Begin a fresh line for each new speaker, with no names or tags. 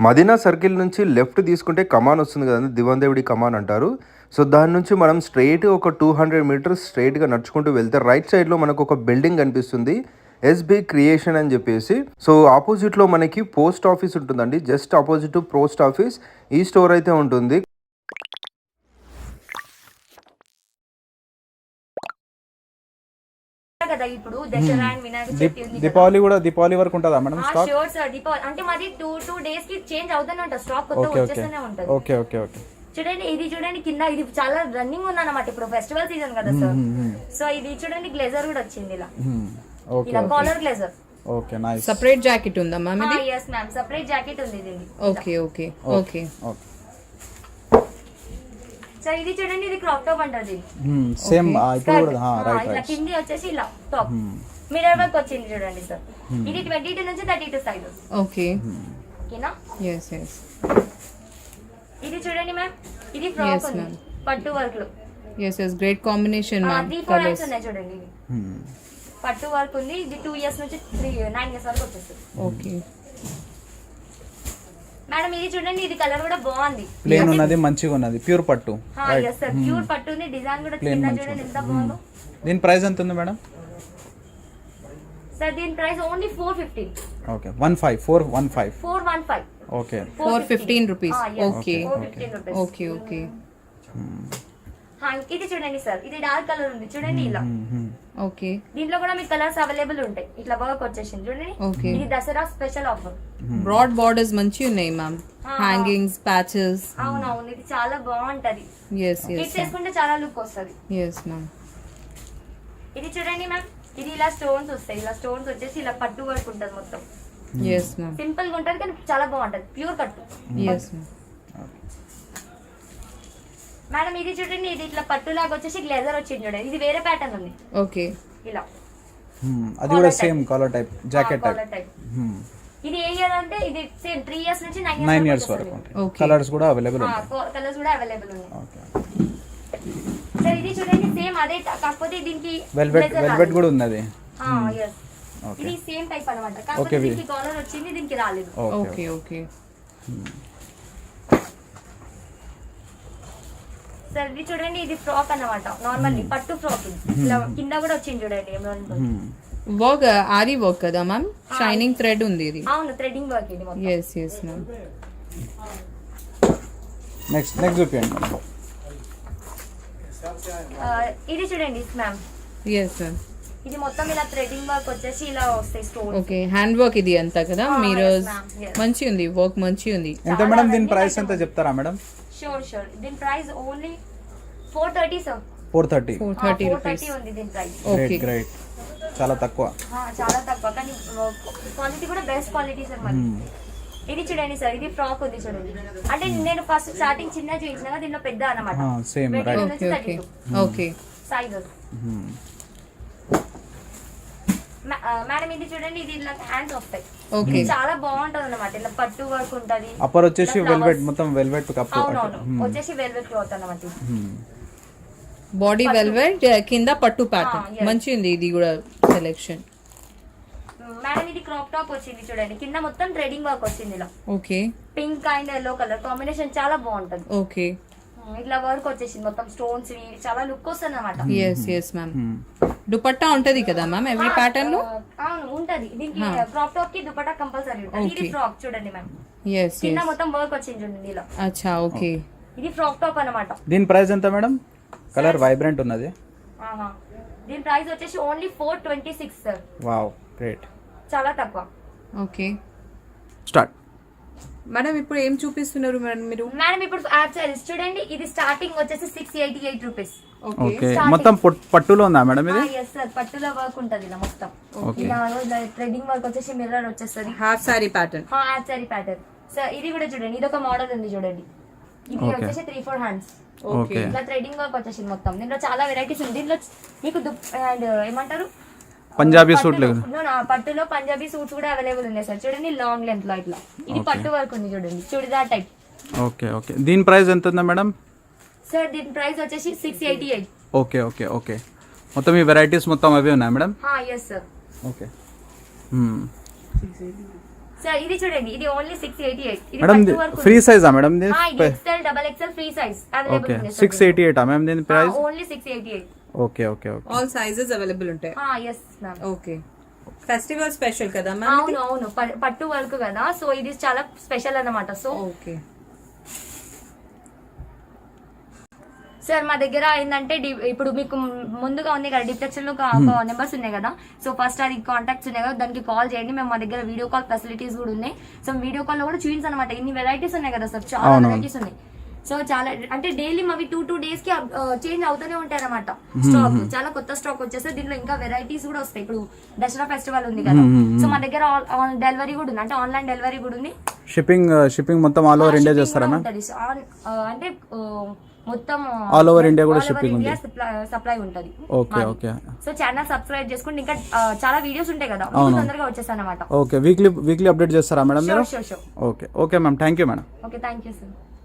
Madina circle నుంచి left తీసుకుంటే కమాన్ వస్తుంది కదండి, దివందేవుడి కమాన్ అంటారు. సో దాని నుంచి మనం స్ట్రైట్ ఒక 200 మీటర్స్ స్ట్రైట్గా నడుచుకుంటూ వెళ్తే రైట్ సైడ్లో మనకు ఒక బిల్డింగ్ కనిపిస్తుంది, ఎస్బి క్రియేషన్ అని చెప్పేసి. సో ఆపోజిట్లో మనకి పోస్ట్ ఆఫీస్ ఉంటుందండి, జస్ట్ ఆపోజిట్ పోస్ట్ ఆఫీస్ ఈ స్టోర్ అయితే ఉంటుంది.
కదా ఇప్పుడు దసరా అండ్ వినాయక చవితి ఉంది కదా.
దీపావళి వరకు ఉంటుందా madam stock?
Sure sir, Deepavali అంటే మాది 2 డేస్ కి చేంజ్ అవుతూనే ఉంటుంది, స్టాక్ కొత్త వచ్చేస్తూనే ఉంటుంది.
Okay okay okay.
చూడండి ఇది చూడండి కింద, ఇది చాలా రన్నింగ్ ఉందన్నమాట ఇప్పుడు ఫెస్టివల్ సీజన్ కదా సార్. సో ఇది చూడంండి గ్లేజర్ కూడా వచ్చింది ఇలా, ఇలా collar blazer.
Okay nice.
Separate jacket ఉందా మ్యామ్ ఇది?
yes మ్యామ్, సెపరేట్ జాకెట్ ఉంది దీనికి.
Okay okay okay
okay.
So ఇది చూడండి, ఇది క్రాప్ టాప్ అంటారు దీన్ని.
సేమ్ ఇప్పుడు కూడా రైట్
ఇలా
రైట్.
కింది వచ్చేసి ఇలా టాప్ మిర్రర్ వర్క్ వచ్చింది చూడండి సార్. ఇది 22 నుంచి 32 సైజ్.
ఓకే
ఓకేనా?
Yes yes.
ఇది చూడండి మ్యామ్, ఇది ఫ్రాక్ ఉంది పట్టు వర్క్ లో.
Yes yes, great combination ma'am.
3-4 hands ఉన్నాయి చూడండి, ఇది పట్టు వర్క్ ఉంది. ఇది 2 ఇయర్స్ నుంచి 9 ఇయర్స్ వరకు వచ్చేస్తుంది.
ఓకే
మేడం ఇది చూడండి, ఇది కలర్ కూడా బాగుంది,
ప్లేన్ ఉన్నది మంచిగా ఉన్నది, ప్యూర్ పట్టు.
yes sir, ప్యూర్ పట్టు ఉంది. డిజైన్ కూడా కింద చూడండి ఎంత బాగుందో.
దీని ప్రైస్ ఎంత ఉంది మేడం?
సార్ దీని price only 450.
Okay 415.
415.
Okay
415 rupees. Okay
415 rupees.
Okay okay.
ఇది చూడండి సార్, ఇది డార్క్ కలర్ ఉంది చూడండి ఇలా.
ఓకే
దీంట్లో కూడా మీకు కలర్స్ అవైలబుల్ ఉంటాయి. ఇట్లా వర్క్ వచ్చేసింది చూడండి.
ఓకే.
ఇది Dasara special offer.
Broad borders మంచి ఉన్నాయి మ్యామ్, హ్యాంగింగ్స్, ప్యాచెస్.
అవునవును, ఇది చాలా బాగుంటది.
ఎస్ ఎస్
కిడ్స్ వేసుకుంటే చాలా లుక్ వస్తుంది.
Yes ma'am.
ఇది చూడండి మ్యామ్, ఇది ఇలా స్టోన్స్ వస్తాయి, ఇలా స్టోన్స్ వచ్చేసి ఇలా పట్టు వర్క్ ఉంటుంది మొత్తం.
Yes ma'am.
సింపుల్ గా ఉంటది కానీ చాలా బాగుంటది, ప్యూర్ కట్టు.
Yes ma'am.
మేడం ఇది చూడండి, ఇది ఇట్లా పట్టు లాగా వచ్చేసి గ్లేజర్ వచ్చింది చూడండి. ఇది వేరే ప్యాటర్న్ ఉంది
ఓకే.
ఇలా.
అది కూడా same collar type jacket type.
ఇది ఏ ఇయర్ అంటే ఇది సేమ్ 3 ఇయర్స్ నుంచి
9 ఇయర్స్ వరకు ఉంటాయి.
Okay.
కలర్స్ కూడా అవైలబుల్ ఉంటాయి.
కలర్స్ కూడా అవైలబుల్ ఉన్నాయి.
ఓకే.
సార్ ఇది చూడండి సేమ్ అదే, కాకపోతే దీనికి
వెల్వెట్ కూడా ఉన్నది.
yes.
ఓకే
ఇది సేమ్ టైప్ అన్నమాట, కాకపోతే దీనికి కాలర్ వచ్చింది, దీనికి రాలేదు.
Okay okay.
సార్ ఇది చూడండి, ఇది ఫ్రాక్ అన్నమాట, నార్మల్లీ పట్టు ఫ్రాక్. ఇలా కింద కూడా వచ్చింది చూడండి.
వర్క్ ఆరి వర్క్ కదా మ్యామ్, షైనింగ్ థ్రెడ్ ఉంది ఇది.
అవును, థ్రెడింగ్ వర్క్ ఇది మొత్తం.
Yes yes ma'am.
నెక్స్ట్ చూపించండి.
ఇది చూడండి మ్యామ్,
ఎస్ మ్యామ్.
ఇది మొత్తం ఇలా థ్రెడింగ్ వర్క్ వచ్చేసి ఇలా వస్తాయి స్టోన్స్.
ఓకే, హ్యాండ్ వర్క్ ఇది అంతా కదా. మీరు
yes ma'am, yes.
మంచి ఉంది, వర్క్ మంచి ఉంది.
ఎంత మేడం దీని ప్రైస్ ఎంత చెప్తారా మేడం?
షూర్ దీని ప్రైస్ ఓన్లీ 430 సార్.
430.
430 రూపీస్.
430 ఉంది దీని ప్రైస్.
Okay
great. చాలా తక్కువ.
చాలా తక్కువ, కానీ క్వాలిటీ కూడా బెస్ట్ క్వాలిటీ సార్ మరి. ఇది చూడండి సార్, ఇది ఫ్రాక్ ఉంది చూడండి. అంటే నేను ఫస్ట్ స్టార్టింగ్ చిన్న చూపించిన, దీనిలో పెద్ద అన్నమాట.
Same right.
Okay okay okay.
Sizes. Madam ఇది చూడండి, ఇది ఇలా హ్యాండ్స్ వస్తాయి.
ఓకే.
ఇది చాలా బాగుంటది అన్నమాట, ఇలా పట్టు వర్క్ ఉంటది.
అప్పర్ వచ్చేసి వెల్వెట్, మొత్తం వెల్వెట్ కప్పు.
అవునవును, వచ్చేసి వెల్వెట్ క్లాత్ అన్నమాట.
బాడీ వెల్వెట్, కింద పట్టు ప్యాటర్న్ మంచి ఉంది. ఇది కూడా సెలెక్షన్.
మేడం ఇది క్రాప్ టాప్ వచ్చింది చూడండి, కింద మొత్తం థ్రెడింగ్ వర్క్ వచ్చింది ఇలా.
Okay.
Pink and yellow colour combination చాలా బాగుంటది.
ఓకే.
ఇట్లా వర్క్ వచ్చేసింది మొత్తం స్టోన్స్, చాలా లుక్ వస్తుంది అన్నమాట.
Yes yes ma'am. దుపట్టా ఉంటది కదా మ్యామ్ ఎవ్రీ ప్యాటర్న్ లో?
అవును ఉంటది. దీనికి క్రాప్ టాప్ కి దుపట్టా కంపల్సరీ ఉంటుంది. ఇది ఫ్రాక్ చూడండి మ్యామ్,
ఎస్
కింద
ఎస్.
మొత్తం వర్క్ వచ్చింది చూడండి ఇలా.
అచ్చా ఓకే.
ఇది ఫ్రాక్ టాప్ అన్నమాట.
దీని ప్రైస్ ఎంత మేడం? కలర్ వైబ్రెంట్ ఉన్నది.
దీని ప్రైస్ వచ్చేసి ఓన్లీ 426 సార్.
Wow great.
చాలా తక్కువ.
ఓకే.
స్టార్ట్.
మేడం ఇప్పుడు ఏం చూపిస్తున్నారు మేడం మీరు?
మేడం ఇప్పుడు యాప్ సారీస్ చూడండి, ఇది స్టార్టింగ్ వచ్చేసి 688 రూపీస్.
ఓకే. మొత్తం పట్టులో ఉందా మేడం ఇది?
ఎస్ సార్, పట్టులో వర్క్ ఉంటది ఇలా మొత్తం. ఇలా థ్రెడింగ్ వర్క్ వచ్చేసి మిర్రర్ వచ్చేస్తుంది.
Half sari pattern.
Half sari pattern. Sir ఇది కూడా చూడండి, ఇది ఒక మోడల్ ఉంది చూడండి. ఇది వచ్చేసి 3-4 హ్యాండ్స్.
ఓకే.
ఇట్లా థ్రెడింగ్ వర్క్ వచ్చేసింది మొత్తం. దీంట్లో చాలా వెరైటీస్ ఉంది. దీంట్లో మీకు అండ్ ఏమంటారు
పంజాబీ సూట్ లేదు.
పట్టులో పంజాబీ సూట్స్ కూడా అవైలబుల్ ఉన్నాయి సార్. చూడండి లాంగ్ లెంత్ లో ఇట్లా. ఇది పట్టు వర్క్ ఉంది చూడండి, చుడిదార్ టైప్.
Okay okay. దీని ప్రైస్ ఎంత ఉందా మేడం?
సార్ దీని ప్రైస్ వచ్చేసి 688.
Okay okay okay. మొత్తం ఈ వెరైటీస్ మొత్తం అవే ఉన్నాయి madam?
Yes sir.
Okay.
Sir ఇది చూడండి, ఇది ఓన్లీ 688. ఇది
మేడం
పట్టు వరకు
ఫ్రీ సైజా మేడం
ఇది XL double XL free size
okay
available ఉంది
688 మ్యామ్ దీని price
only 688.
Okay okay okay
all sizes available ఉంటాయి.
Yes ma'am.
Okay, festival special కదా మ్యామ్?
అవును అవును, పట్టు వర్క్ కదా, సో ఇది చాలా స్పెషల్ అన్నమాట. సో
ఓకే
సార్ మా దగ్గర ఏంటంటే ఇప్పుడు మీకు ముందుగా ఉంది కదా డిప్లెక్షన్ లో నెంబర్స్ ఉన్నాయి కదా, సో ఫస్ట్ అది కాంటాక్ట్స్ ఉన్నాయి కదా, దానికి కాల్ చేయండి. మేము మా దగ్గర వీడియో కాల్ ఫెసిలిటీస్ కూడా ఉన్నాయి. సో వీడియో కాల్ లో కూడా చూపించాను అనమాట. ఇన్ని వెరైటీస్ ఉన్నాయి కదా సార్, చాలా వెరైటీస్ ఉన్నాయి. సో చాలా అంటే డైలీ మావి 2 days కి చేంజ్ అవుతూనే ఉంటాయి అనమాట. స్టాక్ చాలా కొత్త స్టాక్ వచ్చేస్తే దీంట్లో ఇంకా వెరైటీస్ కూడా వస్తాయి. ఇప్పుడు దసరా ఫెస్టివల్ ఉంది కదా, సో మా దగ్గర డెలివరీ కూడా ఉంది, అంటే ఆన్లైన్ డెలివరీ కూడా ఉంది.
షిప్పింగ్ మొత్తం ఆల్ ఓవర్ ఇండియా చేస్తారా మ్యామ్?
అంటే మొత్తం
ఆల్ ఓవర్ ఇండియా కూడా షిప్పింగ్ ఉంది.
సప్లై ఉంటది.
Okay okay.
So channel subscribe చేసుకుంటే ఇంకా చాలా వీడియోస్ ఉంటాయి కదా, మీకు తొందరగా వచ్చేస్తాయి అనమాట.
ఓకే, వీక్లీ అప్డేట్ చేస్తారా మేడం మీరు?
Sure.
Okay okay ma'am, thank you madam.
Okay, thank you sir.